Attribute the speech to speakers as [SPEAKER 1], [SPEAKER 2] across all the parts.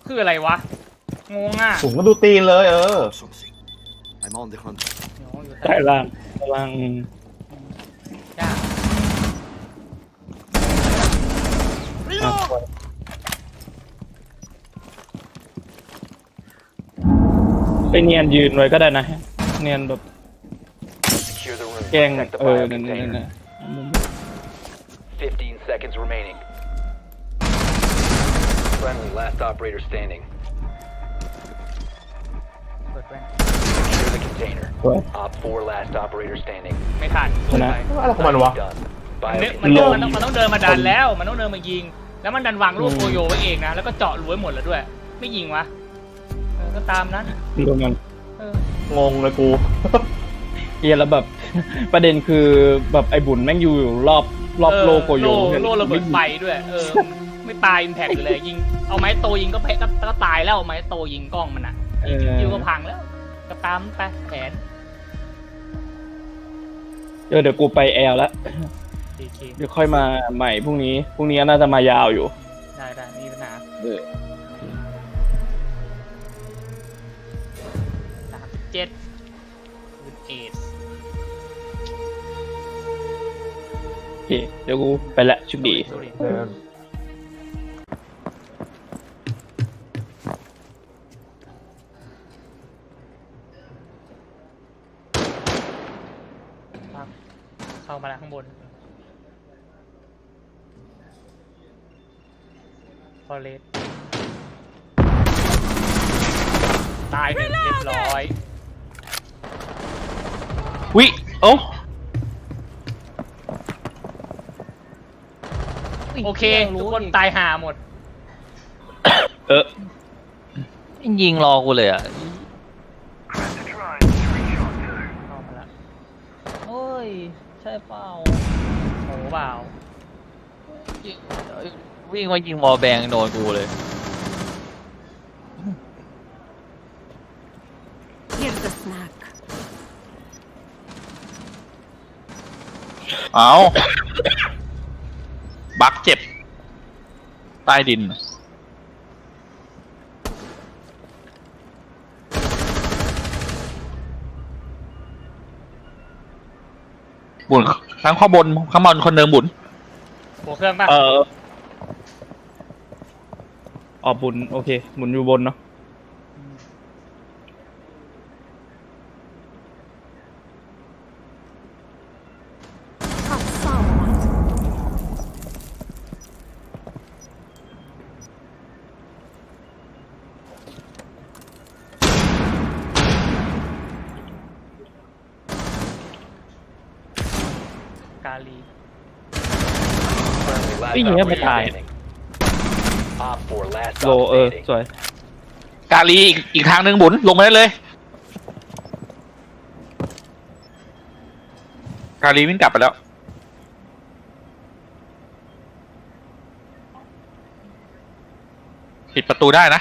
[SPEAKER 1] คืออะไรวะงงอ่ะ
[SPEAKER 2] ผมก็ดูตีนเลย
[SPEAKER 3] I'm on the hunt.
[SPEAKER 1] อยู่
[SPEAKER 4] ใต้ล่างล่าง
[SPEAKER 1] ยาก
[SPEAKER 4] ไปเนียนยืนไว้ก็ได้นะเนียนแบบ
[SPEAKER 5] Secure the room.
[SPEAKER 4] แกล้ง
[SPEAKER 5] Protect the
[SPEAKER 4] นั่น
[SPEAKER 5] biocontainer. 15 seconds remaining. Friendly, last operator standing.
[SPEAKER 1] เปิดแว่น
[SPEAKER 5] Secure the container.
[SPEAKER 4] สวย
[SPEAKER 5] Op 4, last operator standing.
[SPEAKER 1] ไม่ทัน
[SPEAKER 4] ชนะ
[SPEAKER 2] อะไรของมันวะ
[SPEAKER 5] Done.
[SPEAKER 1] มัน
[SPEAKER 5] Biocontainer.
[SPEAKER 1] ต้องเดินมาดันแล้ว มันต้องเดินมายิง แล้วมันดันวางลูกโกโยไว้เองนะ แล้วก็เจาะรูไว้หมดแล้วด้วย ไม่ยิงวะก็ตามนั้น
[SPEAKER 4] รวมกัน
[SPEAKER 2] งงเลยกู
[SPEAKER 4] เฮียแล้วแบบ ประเด็นคือแบบไอ้บุญแม่งอยู่รอบโลโกโย
[SPEAKER 1] โลระเบิดไฟด้วย ไม่ตายอิมแพกเลยยิง เอาไม้โตยิงก็ตายแล้วไม้โตยิงกล้องมันอ่ะยิวก็พังแล้ว ก็ตามไปแผน
[SPEAKER 4] เดี๋ยวกูไปแอลแล้ว
[SPEAKER 1] ดีเค
[SPEAKER 4] เดี๋ยวค่อยมาใหม่พรุ่งนี้น่าจะมายาวอยู่
[SPEAKER 1] ได้มีปัญหา37ปืนเอส
[SPEAKER 4] โอเคเดี๋ยวกูไปละชุดดี
[SPEAKER 1] เข้ามาแล้วข้างบนฟอเรสตายหนึ่งเรียบร้อย
[SPEAKER 4] วิโอ้
[SPEAKER 1] โอเค ทุกคนตายห่าหมด
[SPEAKER 6] ยิงรอกูเลยอ่ะ
[SPEAKER 1] เข้ามาแล้ว
[SPEAKER 6] โอ้ย ใช่เปล่า
[SPEAKER 1] โหเปล่า
[SPEAKER 6] วิ่งมายิงวอลแบงโดนกูเลย
[SPEAKER 7] Here's the snack.
[SPEAKER 8] เอาบักเจ็บ ใต้ดิน บุญทั้งข้างบนข้างบนคนเดิมบุญ
[SPEAKER 1] หัวเครื่องป่ะ
[SPEAKER 4] ออกบุญโอเคหมุนอยู่บนเนาะ
[SPEAKER 1] กาลี
[SPEAKER 5] Friendly, last
[SPEAKER 4] ไอ้เหี้ยไม่
[SPEAKER 5] operator
[SPEAKER 4] ตาย
[SPEAKER 5] standing. Op 4, last
[SPEAKER 4] โล
[SPEAKER 5] op standing.
[SPEAKER 4] สวย
[SPEAKER 8] กาลีอีกทางหนึ่งบุญลงมาได้เลย กาลีวิ่งกลับไปแล้ว ปิดประตูได้นะ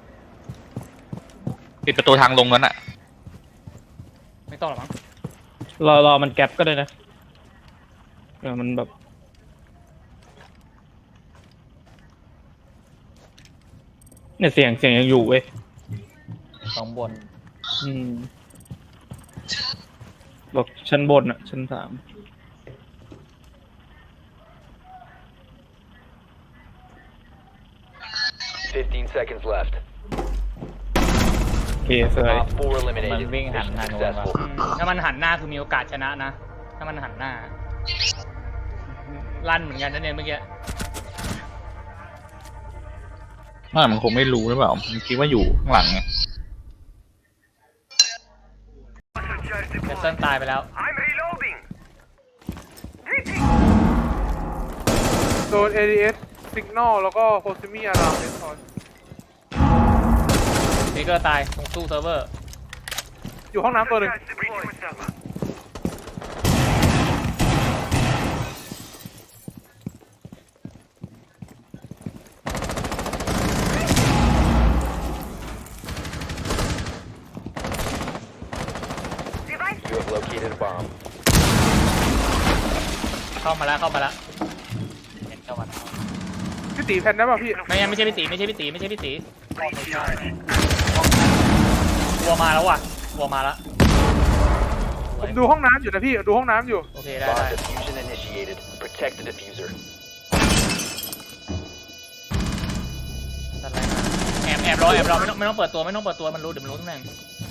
[SPEAKER 8] ปิดประตูทางลงนั้นอะ
[SPEAKER 1] ไม่ต้องหรอกมั้ง
[SPEAKER 4] รอมันแก๊ปก็ได้นะมันแบบเนี่ยเสียงยังอยู่เว้ย
[SPEAKER 6] สองบน
[SPEAKER 4] บอกชั้นบนอ่ะชั้น3
[SPEAKER 5] 15 seconds left.
[SPEAKER 4] โอเคสวย
[SPEAKER 5] Op 4 eliminated.
[SPEAKER 6] Man, wing
[SPEAKER 5] Mission
[SPEAKER 6] hand
[SPEAKER 5] successful.
[SPEAKER 1] ถ้ามันหันหน้าคือมีโอกาสชนะนะ ถ้ามันหันหน้า ลั่นเหมือนกันนะเนี่ยเมื่อกี้
[SPEAKER 8] มันคงไม่รู้หรือเปล่า มันคิดว่าอยู่ข้างหลังไง
[SPEAKER 1] แคสเซิลตายไปแล้ว
[SPEAKER 9] โดน ADS Signal แล้วก็โฮซิมี่อารามเลนทอน
[SPEAKER 1] เบเกอร์ตายตรงตู้เซิร์ฟเวอร์
[SPEAKER 9] อยู่ห้องน้ำตัวหนึ่ง
[SPEAKER 5] You have located a bomb.
[SPEAKER 1] เข้ามาแล้วเห็นเข้ามาแล้ว
[SPEAKER 9] พี่พี่ตีแพนได้ป่ะพี่
[SPEAKER 1] ไม่ใช่พี่ตีไม่ใช่พี่ตีไม่ใช่พี่ตีวัวมาแล้วว่ะวัวมาแล้ว
[SPEAKER 9] ผมดูห้องน้ำอยู่นะพี่ดูห้องน้ำอยู่
[SPEAKER 1] โอเคได้
[SPEAKER 5] Bomb
[SPEAKER 1] ได้
[SPEAKER 5] diffusion initiated. Protect the diffuser.
[SPEAKER 1] ตัดอะไรมาแอบรอไม่ต้องเปิดตัวไม่ต้องเปิดตัวมันรู้เดี๋ยวมันรู้ตำแหน่ง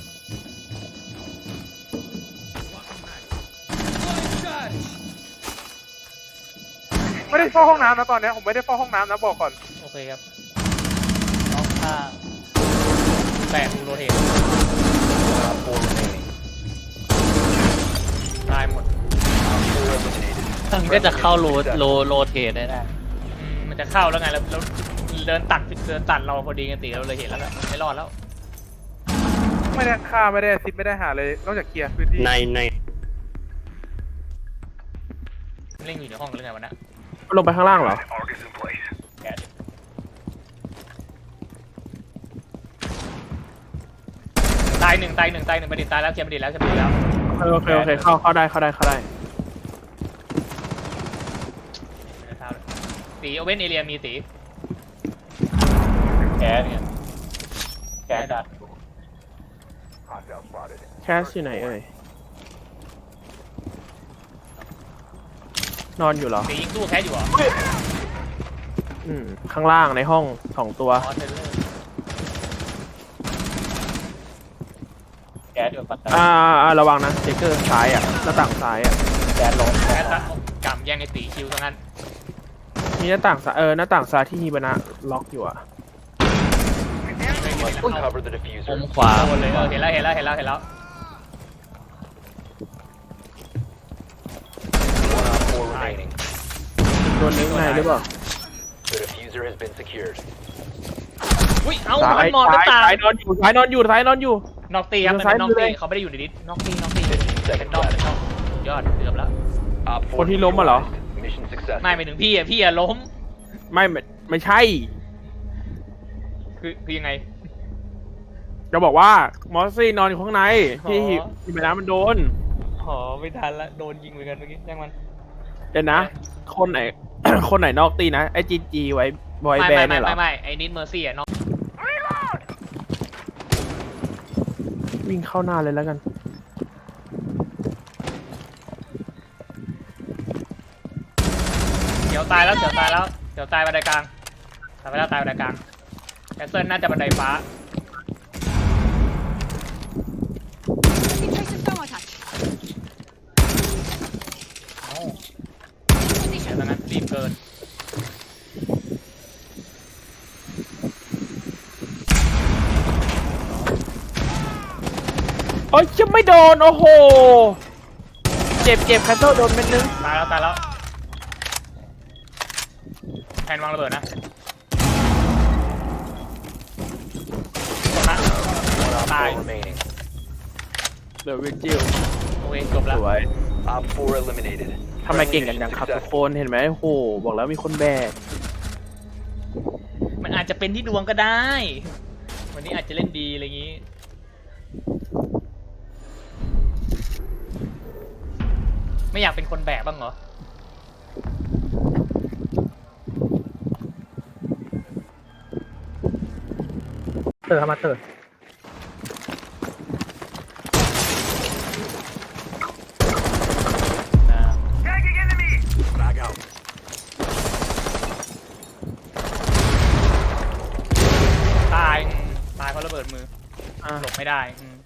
[SPEAKER 9] ไม่ได้เฝ้าห้องน้ำนะตอนเนี้ยผมไม่ได้เฝ้าห้องน้ำนะบอกก่อน
[SPEAKER 1] โอเคครับ
[SPEAKER 6] น้องข้าง
[SPEAKER 1] แปะดูโรเทต
[SPEAKER 5] Op 4 remaining.
[SPEAKER 1] ตายหมด
[SPEAKER 5] Op 4 eliminated.
[SPEAKER 6] มันก็จะเข้าโรเทตได้
[SPEAKER 1] มันจะเข้าแล้วไงแล้วเดินตัดเราพอดีกันตีเราเลยเห็นแล้วแหละไม่รอดแล้ว
[SPEAKER 9] ไม่ได้ฆ่าไม่ได้ซิปไม่ได้หาเลยนอกจากเคลียร์พื้นที่
[SPEAKER 1] เล่นอยู่ในห้องหรือไงวะเนี่ย
[SPEAKER 4] ลงไปข้างล่างเหรอ
[SPEAKER 1] แกะดิตายหนึ่งประดิษฐ์ตายแล้วเคลียร์ประดิษฐ์แล้ว
[SPEAKER 4] โอเคเข้าได้
[SPEAKER 1] ตีโอเว่นเอเรียมีตี
[SPEAKER 6] แกเนี่ยแกดัด
[SPEAKER 5] Hostile spotted.
[SPEAKER 4] แคสอยู่ไหนเอ่ยนอนอยู่เหรอ
[SPEAKER 1] ตียิงตู้แคสอยู่เหรอ
[SPEAKER 4] ข้างล่างในห้อง2 ตัว
[SPEAKER 1] อ๋อเทเลอร์
[SPEAKER 6] แกอยู่ปัตตานี
[SPEAKER 4] ระวังนะเจเกอร์ซ้ายอ่ะหน้าต่างซ้ายอ่ะ
[SPEAKER 6] แกลง
[SPEAKER 1] แคสซะกำแย่งไอ้ตีคิวซะงั้น
[SPEAKER 4] มีหน้าต่างซ้ายหน้าต่างซ้ายที่ฮีบานะล็อกอยู่อ่ะ
[SPEAKER 5] Cover the
[SPEAKER 6] มุ
[SPEAKER 5] diffuser.
[SPEAKER 6] มขวา
[SPEAKER 1] โดนเลยเห็นแล้ว
[SPEAKER 5] One Op 4 remaining.
[SPEAKER 4] โดนนิ้วในหรือเปล่า
[SPEAKER 5] The diffuser has been secured.
[SPEAKER 1] อุ้ยเอ้า
[SPEAKER 4] ซ้าย
[SPEAKER 1] มันมองหน้าต่าง
[SPEAKER 4] ซ้ายนอนอยู่
[SPEAKER 1] นอกตีครับมันเป็นนอก
[SPEAKER 4] ซ้ายมือ
[SPEAKER 1] ตี
[SPEAKER 4] เลย
[SPEAKER 1] เขาไม่ได้อยู่ในดิสนอกตีเป็นนอกยอดเกือบแล้ว
[SPEAKER 5] Op 4
[SPEAKER 4] คนที่ล้มมาเหรอ
[SPEAKER 5] neutralized. Mission successful.
[SPEAKER 1] ไม่ไปถึงพี่อะล้ม
[SPEAKER 4] ไม่ใช่
[SPEAKER 1] คือยังไง
[SPEAKER 4] จะบอกว่ามอสซี่นอนอยู่ข้างในที่
[SPEAKER 1] อ๋อ
[SPEAKER 4] ฮีบานะมันโดน
[SPEAKER 1] อ๋อไม่ทันละโดนยิงเหมือนกันเมื่อกี้ยังมัน
[SPEAKER 4] เดี๋ยวนะ คนไหน คนไหนนอกตีนะไอจีไว้บอยแบนด์เนี่ยเหรอ
[SPEAKER 1] ไม่ไอ้นิดเมอร์ซี่อะนอก
[SPEAKER 4] วิ่งเข้าหน้าเลยแล้วกัน
[SPEAKER 1] เดี๋ยวตายบันไดกลางตายไปแล้วตายบันไดกลางแคสเซิลน่าจะบันไดฟ้า เดี๋ยวตอนนั้นรีบเกิน
[SPEAKER 4] โอ๊ยจะไม่โดน โอ้โห เจ็บแคทเทิลโดนเม็ดนึง
[SPEAKER 1] ตายแล้วแทนวางระเบิดนะจบนะ
[SPEAKER 5] One Op
[SPEAKER 1] ตาย
[SPEAKER 5] 4 remaining.
[SPEAKER 4] เหลือวิจิล
[SPEAKER 1] โอเคจบแล้ว
[SPEAKER 4] สวย
[SPEAKER 5] Op 4 eliminated.
[SPEAKER 4] ทำไมเก่งกันจังครับทุกคนเห็นไหมโอ้โห บอกแล้วมีคนแบก
[SPEAKER 1] มันอาจจะเป็นที่ดวงก็ได้ วันนี้อาจจะเล่นดีอะไรอย่างนี้ ไม่อยากเป็นคนแบกบ้างเหรอ
[SPEAKER 4] เตอร์มาเตอร์
[SPEAKER 1] ตายเพราะระเบิดมือหลบไม่ได้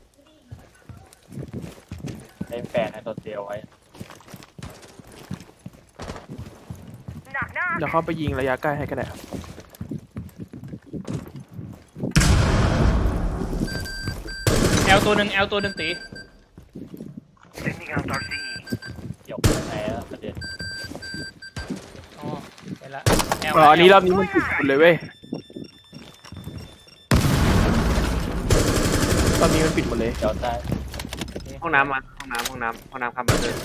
[SPEAKER 6] เล่นแฟนในตัวเดียวไว้
[SPEAKER 4] เดี๋ยวเข้าไปยิงระยะใกล้ให้ก็ได้
[SPEAKER 1] แอลตัวหนึ่งตี
[SPEAKER 6] หยกไหนแล้วประเด็น
[SPEAKER 1] อ๋อไปละแอล
[SPEAKER 4] อันนี้รอบนี้มันปิดหมดเลยเว้ยรอบนี้มันปิดหมดเลย
[SPEAKER 6] เดี๋ยวได้
[SPEAKER 9] ห้องน้ำห้องน้ำทำมาเลย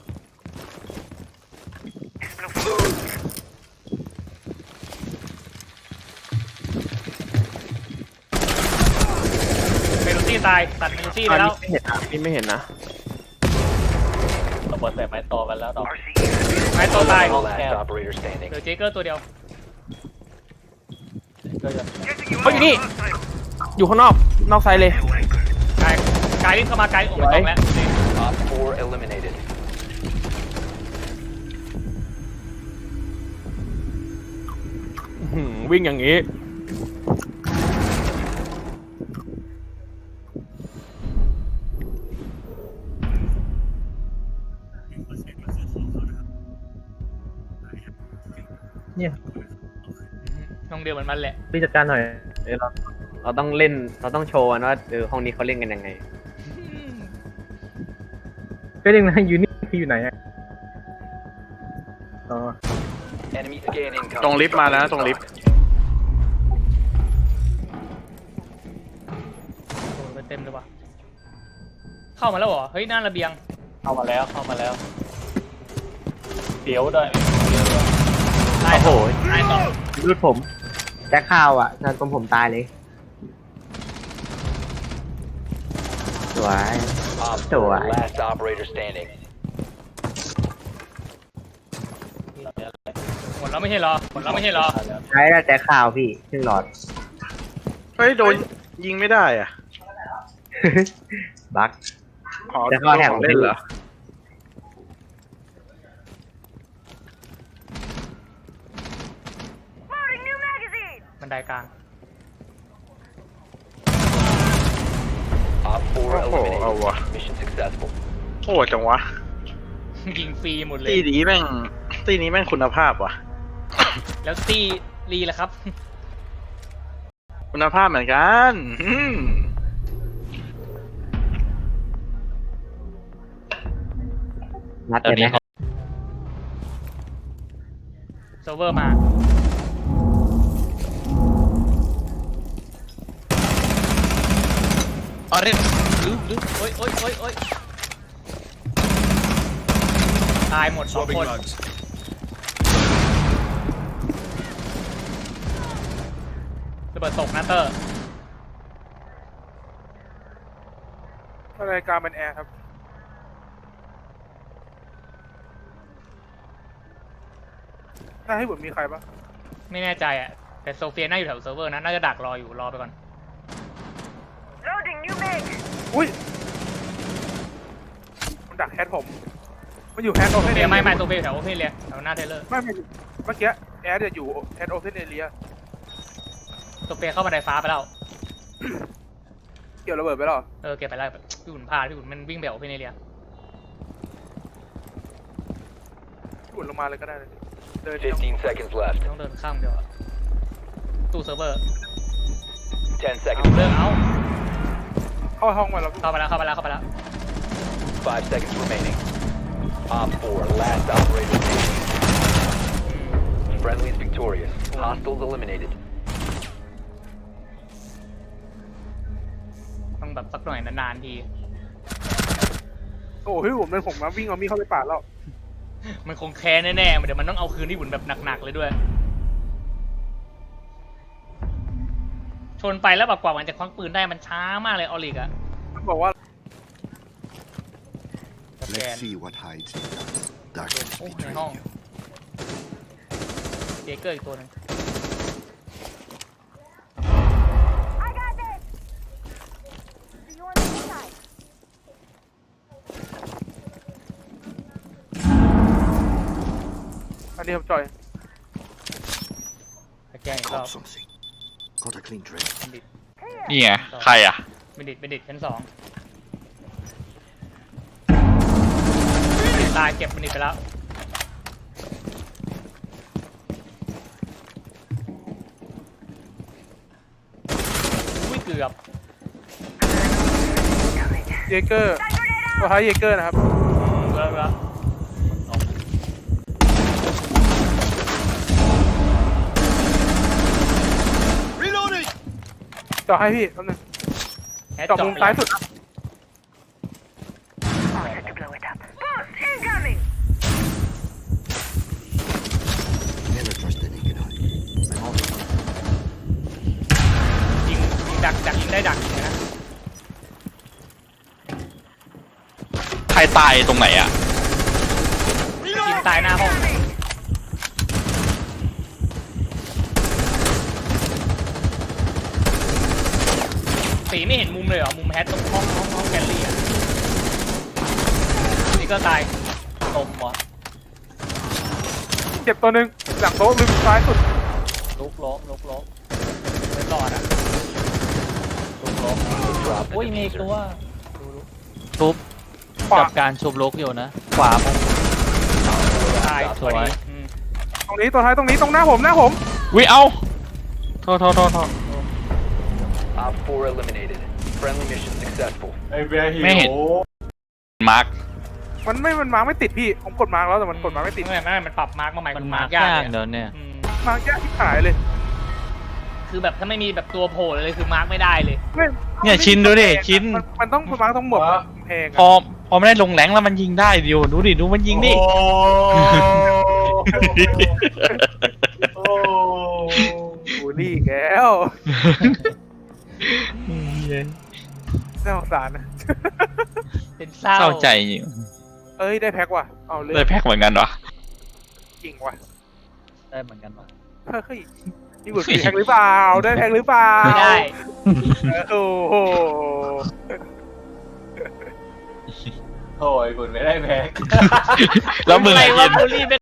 [SPEAKER 1] เมลูซี่ตายตัดเมลูซี่ไป
[SPEAKER 4] อัน
[SPEAKER 1] แล้
[SPEAKER 4] นี้
[SPEAKER 1] ว
[SPEAKER 4] ไม่เห็นนะ
[SPEAKER 6] ระเบิดใส่ไม้โตกันแล้วดอก
[SPEAKER 1] ไม้โตตาย
[SPEAKER 5] Last operator standing.
[SPEAKER 1] เหลือเจเกอร์ตัวเดียว
[SPEAKER 6] ก็จะ
[SPEAKER 9] เฮ้ยอยู่นี่ อยู่ข้างนอก นอกไซด์เลย
[SPEAKER 1] ไกด์เข้ามาไกด์โอ้ไม่ต้องแล้ว
[SPEAKER 5] Op 4 eliminated.
[SPEAKER 9] วิ่งอย่างนี้
[SPEAKER 1] น้องเดียวเหมือนมันแหละ
[SPEAKER 7] พี่จัดการหน่อยเราต้องเล่นเราต้องโชว์กันว่าห้องนี้เขาเล่นกันยังไงก็เรื่องนะยูนี่คืออยู่ไหนอะอ๋อ
[SPEAKER 5] Enemy scan incoming.
[SPEAKER 8] ตรงลิฟต์มาแล้วตรงลิฟต์
[SPEAKER 1] โดนไปเต็มเลยว่ะเข้ามาแล้วเหรอเฮ้ยหน้าระเบียง
[SPEAKER 6] เข้ามาแล้วเดี๋ยวด้วย
[SPEAKER 1] ได้
[SPEAKER 7] โอ้โห
[SPEAKER 1] ได้ต่อ
[SPEAKER 7] รูดผมแจ็คข้าวอ่ะนั่นตรงผมตายเลยสวย
[SPEAKER 5] Op
[SPEAKER 7] สวย
[SPEAKER 5] 4 last operator standing.
[SPEAKER 1] หมดแล้วไม่ใช่เหรอ
[SPEAKER 7] ใช้แจ็คข้าวพี่ครึ่งหลอด
[SPEAKER 8] เฮ้ยโดนยิงไม่ได้อ่ะ
[SPEAKER 7] บั๊ก
[SPEAKER 8] ขอ
[SPEAKER 7] จะเข้าแถว
[SPEAKER 8] เล่นเหรอ
[SPEAKER 1] บันไดกลาง
[SPEAKER 5] Op 4
[SPEAKER 8] โอ้โห เอา
[SPEAKER 5] eliminated.
[SPEAKER 8] วะ
[SPEAKER 5] Mission successful.
[SPEAKER 8] โหดจังวะ
[SPEAKER 1] ยิงฟรีหมดเลย
[SPEAKER 8] ตีนี้แม่งคุณภาพว่ะ
[SPEAKER 1] แล้วตีรีล่ะครับ
[SPEAKER 8] คุณภาพเหมือนกัน
[SPEAKER 7] นัดเลยไหม
[SPEAKER 1] เซิร์ฟเวอร์มา
[SPEAKER 8] อ๋อเล่น
[SPEAKER 1] โอ๊ยตายหมด2 คนระเบิดตกนะเตอร์
[SPEAKER 9] รายการเป็นแอร์ครับ ถ้าให้ผมมีใครปะ
[SPEAKER 1] ไม่แน่ใจอ่ะแต่โซเฟียน่าอยู่แถวเซิร์ฟเวอร์นะน่าจะดักรออยู่รอไปก่อน
[SPEAKER 9] อุ้ย มันดักแฮทผม มันอยู่แฮทโอเพ
[SPEAKER 1] โซ
[SPEAKER 9] น
[SPEAKER 1] เฟียไม่โซเฟียอยู่แถวโอเพนเลยแถวหน้าเทเลอร์
[SPEAKER 9] ไม่เมื่อกี้แอร์จะอยู่แฮทโอเพนเอเรีย
[SPEAKER 1] โซเฟียเข้าบันไดฟ้าไปแล้ว
[SPEAKER 9] เกี่ยวระเบิดไปหรอ
[SPEAKER 1] เก็บไปแล้วพี่หุ่นพลาดพี่หุ่นมันวิ่งแบบโอเพนเอเรีย
[SPEAKER 9] ขุดลงมาเลยก็ได้เลยเดิน
[SPEAKER 5] 15 seconds left.
[SPEAKER 1] ต้องเดินข้ามเดียวอะตู้เซิร์ฟเวอร์
[SPEAKER 5] 10
[SPEAKER 1] เอา
[SPEAKER 5] seconds
[SPEAKER 1] เลิก
[SPEAKER 5] left.
[SPEAKER 1] เอา
[SPEAKER 9] เข้าห้องมาแล้ว
[SPEAKER 1] เข้าไปแล้ว
[SPEAKER 5] 5 seconds remaining. Op 4 last operator standing. Friendly is victorious. Hostiles eliminated.
[SPEAKER 1] ต้องแบบสักหน่อยนานๆที
[SPEAKER 9] โอ้ยผมเดินผมมาวิ่งเอามีดเข้าไปปาดแล้ว
[SPEAKER 1] มันคงแค้นแน่ๆเดี๋ยวมันต้องเอาคืนที่หุ่นแบบหนักๆเลยด้วย ชนไปแล้วแบบกว่ามันจะควักปืนได้มันช้ามากเลยออลิกอะ
[SPEAKER 9] มันบอกว่า
[SPEAKER 1] สแกน
[SPEAKER 3] Let's see what hides in the darkness
[SPEAKER 1] โอ้ใน
[SPEAKER 3] betrayed
[SPEAKER 1] ห้อง
[SPEAKER 3] you.
[SPEAKER 1] เจเกอร์อีกตัวหนึง
[SPEAKER 9] อันนี้ผมจอย
[SPEAKER 1] สแกนอีกรอบ
[SPEAKER 3] Caught something. Got a clean trail.
[SPEAKER 1] บัณฑิต
[SPEAKER 8] นี่ไง ใครอ่ะ
[SPEAKER 1] บัณฑิตชั้น 2บัณฑิตตายเก็บบัณฑิตไปแล้วอุ้ยเกือบ
[SPEAKER 9] เยเกอร์ตัวท้ายเยเกอร์นะครับ
[SPEAKER 1] เกือบแล้ว
[SPEAKER 9] จอให้พี่แป๊บนึง
[SPEAKER 1] แฮช
[SPEAKER 9] จอมุมซ้ายสุด
[SPEAKER 3] Never trust the naked eye. I'm on the hunt.
[SPEAKER 1] ยิงดักยิงได้ดักยิงนะ
[SPEAKER 8] ใครตายตรงไหนอ่ะ
[SPEAKER 1] ยิงตายหน้าห้องสีไม่เห็นมุมเลยเหรอมุมแฮตตรงห้องแกลลี่อ่ะนี่ก็ตาย
[SPEAKER 6] ตมวะ
[SPEAKER 9] เจ็บตัวหนึ่งหลังโต๊ะริมซ้ายสุด
[SPEAKER 6] ลุกล้ม
[SPEAKER 1] ไม่รอดอ่ะ
[SPEAKER 6] ลุกล้ม
[SPEAKER 5] Drop the
[SPEAKER 6] อุ้ยมีอีก
[SPEAKER 5] diffuser.
[SPEAKER 6] ตัว
[SPEAKER 10] ทุบ
[SPEAKER 9] ขวา
[SPEAKER 10] กับการชุบลุกอยู่นะ ขวามุม
[SPEAKER 1] ตาย
[SPEAKER 10] สวย
[SPEAKER 9] ตรงนี้ตัวท้ายตรงนี้ตรงหน้าผม
[SPEAKER 10] วิเอาโทษ
[SPEAKER 5] Op 4 eliminated. Friendly mission successful.
[SPEAKER 2] ไอ้เบียร์หิว
[SPEAKER 10] ไม่เห็น มาร์ค
[SPEAKER 9] มันมาร์กไม่ติดพี่ผมกดมาร์กแล้วแต่มันกดมาร์กไม่ติด
[SPEAKER 1] ไม่มันปรับมาร์กมาใหม่
[SPEAKER 10] มัน
[SPEAKER 1] คือ
[SPEAKER 10] มา
[SPEAKER 1] มา
[SPEAKER 10] ร์
[SPEAKER 1] ร์
[SPEAKER 10] ค
[SPEAKER 1] กยาก
[SPEAKER 10] ยาก
[SPEAKER 1] เลย
[SPEAKER 10] เดี๋ยวเนี่ย
[SPEAKER 1] อืม
[SPEAKER 9] มาร์กยากที่ขายเลย
[SPEAKER 1] คือแบบถ้าไม่มีแบบตัวโผล่เลยคือมาร์กไม่ได้เลย
[SPEAKER 10] เนี่ยชินดูดิชิน
[SPEAKER 9] มันต้องมาร์กต้องหมดแพง
[SPEAKER 10] พอไม่ได้ลงแรงแล้วมันยิงได้ดิวดูดิดูมันยิงดิ
[SPEAKER 2] โอ้โอ้
[SPEAKER 9] บูลลี่แก้วน่าสงสารนะ
[SPEAKER 1] เป็นเศร้า
[SPEAKER 10] เศร้าใจจริง
[SPEAKER 9] เอ้ยได้แพ็กว่ะเอาเลย
[SPEAKER 10] ได้แพ็กเหมือนกันวะ
[SPEAKER 9] จริงว่ะ
[SPEAKER 6] ได้เหมือนกันวะ
[SPEAKER 9] เฮ้ยนี่บุญแพ็กหรือเปล่าได้แพ็กหรือเปล่า
[SPEAKER 1] ไม่ได้
[SPEAKER 9] โอ้โห
[SPEAKER 2] โถ่คุณไม่ได้แพ็ก
[SPEAKER 10] แล้วมึง
[SPEAKER 1] อะไร
[SPEAKER 10] อะ
[SPEAKER 1] วะ
[SPEAKER 10] ยิน
[SPEAKER 1] บูลลี่